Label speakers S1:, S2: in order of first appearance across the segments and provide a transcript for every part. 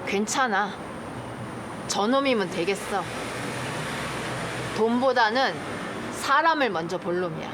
S1: 괜찮아. 저놈이면 되겠어. 돈보다는 사람을 먼저 볼 놈이야.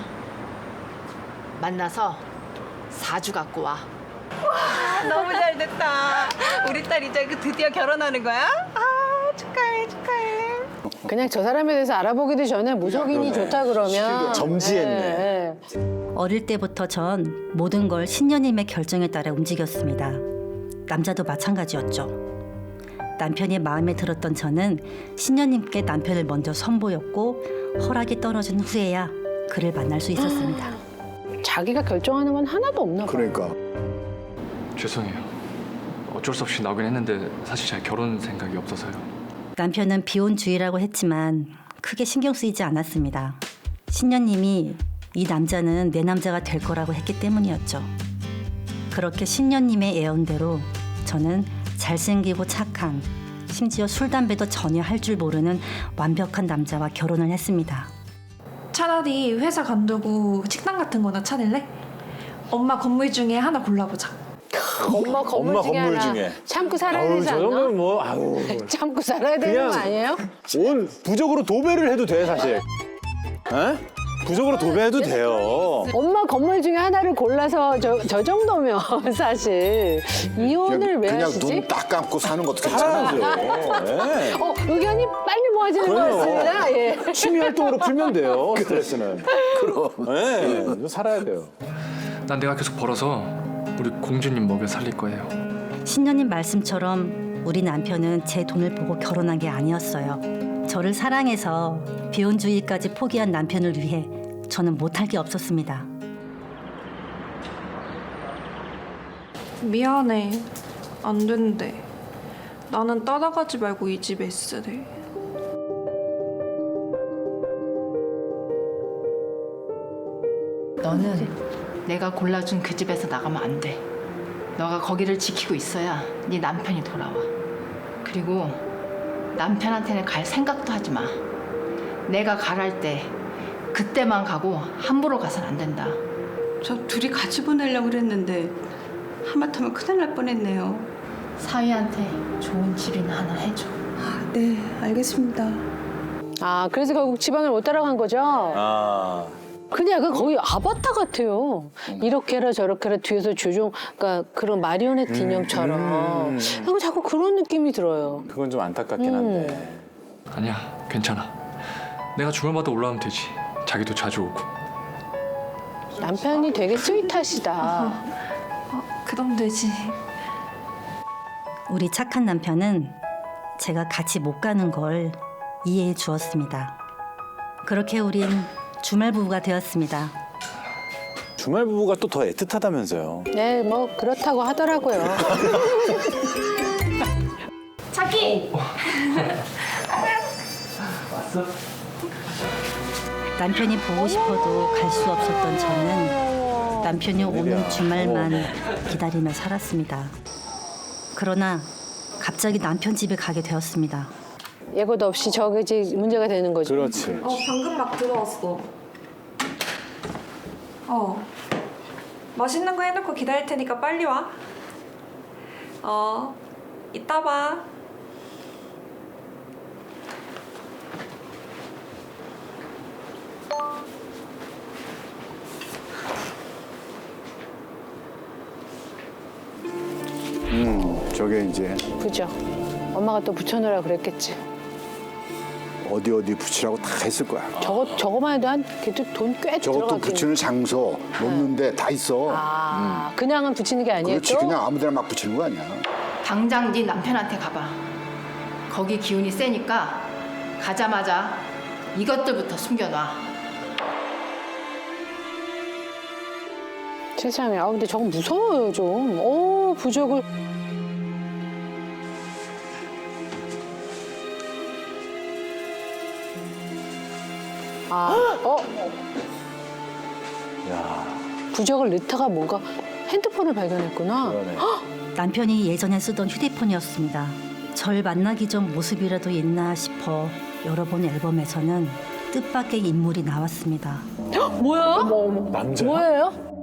S1: 만나서 사주 갖고 와.
S2: 너무 잘 됐다. 우리 딸 이제 드디어 결혼하는 거야? 아, 축하해, 축하해.
S3: 그냥 저 사람에 대해서 알아보기도 전에 무속인이 좋다 그러면
S4: 점지했네.
S5: 어릴 때부터 전 모든 걸 신녀님의 결정에 따라 움직였습니다. 남자도 마찬가지였죠. 남편이 마음에 들었던 저는 신녀님께 남편을 먼저 선보였고 허락이 떨어진 후에야 그를 만날 수 있었습니다.
S3: 자기가 결정하는 건 하나도 없나 봐.
S4: 그러니까
S6: 죄송해요. 어쩔 수 없이 나오긴 했는데 사실 잘 결혼 생각이 없어서요.
S5: 남편은 비혼주의라고 했지만 크게 신경 쓰이지 않았습니다. 신녀님이 이 남자는 내 남자가 될 거라고 했기 때문이었죠. 그렇게 신녀님의 예언대로 저는 잘생기고 착한, 심지어 술, 담배도 전혀 할 줄 모르는 완벽한 남자와 결혼을 했습니다.
S7: 차라리 회사 관두고 식당 같은 거나 차릴래? 엄마 건물 중에 하나 골라보자.
S3: 엄마 건물
S4: 엄마
S3: 중에
S4: 건물
S3: 하나
S4: 중에.
S3: 참고 살아야
S4: 아우
S3: 되지
S4: 저
S3: 않나?
S4: 정도면 뭐 아우
S3: 참고 살아야 되는
S4: 그냥-
S3: 거 아니에요?
S4: 온 부적으로 도배를 해도 돼 사실. 에? 부적으로 도배해도 돼요.
S3: 엄마 건물 중에 하나를 골라서 저 정도면 사실 이혼을 왜
S8: 그냥
S3: 하시지?
S8: 눈 딱 감고 사는 것도 괜찮아.
S4: 살아야죠. 예.
S3: 의견이 빨리 모아지는 것
S4: 그럼요.
S3: 같습니다. 예.
S4: 취미 활동으로 풀면 돼요. 스트레스는. 그럼. 예. 살아야 돼요.
S6: 난 내가 계속 벌어서 우리 공주님 먹여 살릴 거예요.
S5: 신녀님 말씀처럼 우리 남편은 제 돈을 보고 결혼한 게 아니었어요. 저를 사랑해서 비혼주의까지 포기한 남편을 위해 저는 못할 게 없었습니다.
S7: 미안해. 안 된대. 나는 따라가지 말고 이 집에 있으래.
S1: 너는 내가 골라준 그 집에서 나가면 안 돼. 너가 거기를 지키고 있어야 네 남편이 돌아와. 그리고 남편한테는 갈 생각도 하지 마. 내가 가랄 때 그때만 가고 함부로 가선 안 된다.
S2: 저 둘이 같이 보내려고 그랬는데 하마터면 큰일 날 뻔했네요.
S1: 사위한테 좋은 집이나 하나 해줘.
S2: 네, 알겠습니다.
S3: 아 그래서 결국 집안을 못 따라간 거죠?
S4: 아.
S3: 그냥 그 거의 아바타 같아요. 이렇게 해라 저렇게 해라 뒤에서 조종, 그러니까 그런 마리오넷 인형처럼. 그리고 자꾸 그런 느낌이 들어요.
S4: 그건 좀 안타깝긴 한데.
S6: 아니야, 괜찮아. 내가 주말마다 올라오면 되지. 자기도 자주 오고.
S3: 남편이 되게 스윗하시다.
S7: 그럼 되지.
S5: 우리 착한 남편은 제가 같이 못 가는 걸 이해해 주었습니다. 그렇게 우린 주말 부부가 되었습니다.
S4: 주말 부부가 또 더 애틋하다면서요.
S3: 네, 뭐 그렇다고 하더라고요.
S7: 자기!
S5: 남편이 보고 싶어도 갈 수 없었던 저는 남편이 오는 주말만 기다리며 살았습니다. 그러나 갑자기 남편 집에 가게 되었습니다.
S3: 예고도 없이 저게 이제 문제가 되는 거죠.
S4: 그렇지.
S7: 방금 막 들어왔어. 맛있는 거 해놓고 기다릴 테니까 빨리 와. 이따 봐.
S8: 저게 이제
S3: 그죠. 엄마가 또 붙여놓으라 그랬겠지.
S8: 어디 붙이라고 다 했을 거야.
S3: 저거만 해도 한 돈 꽤
S8: 저것도
S3: 들어가긴.
S8: 붙이는 장소 놓는데 다 있어.
S3: 아, 그냥은 붙이는 게 아니에요.
S8: 그렇지,
S3: 또?
S8: 그냥 아무데나 막 붙이는 거 아니야.
S1: 당장 네 남편한테 가봐. 거기 기운이 세니까 가자마자 이것들부터 숨겨놔.
S3: 세상에. 아 근데 저거 무서워요 좀. 부적을.
S4: 야,
S3: 부적을 넣다가 뭔가 핸드폰을 발견했구나.
S4: 그러네.
S5: 남편이 예전에 쓰던 휴대폰이었습니다. 절 만나기 전 모습이라도 있나 싶어 열어본 앨범에서는 뜻밖의 인물이 나왔습니다.
S3: 뭐야?
S4: 남자?
S3: 뭐예요?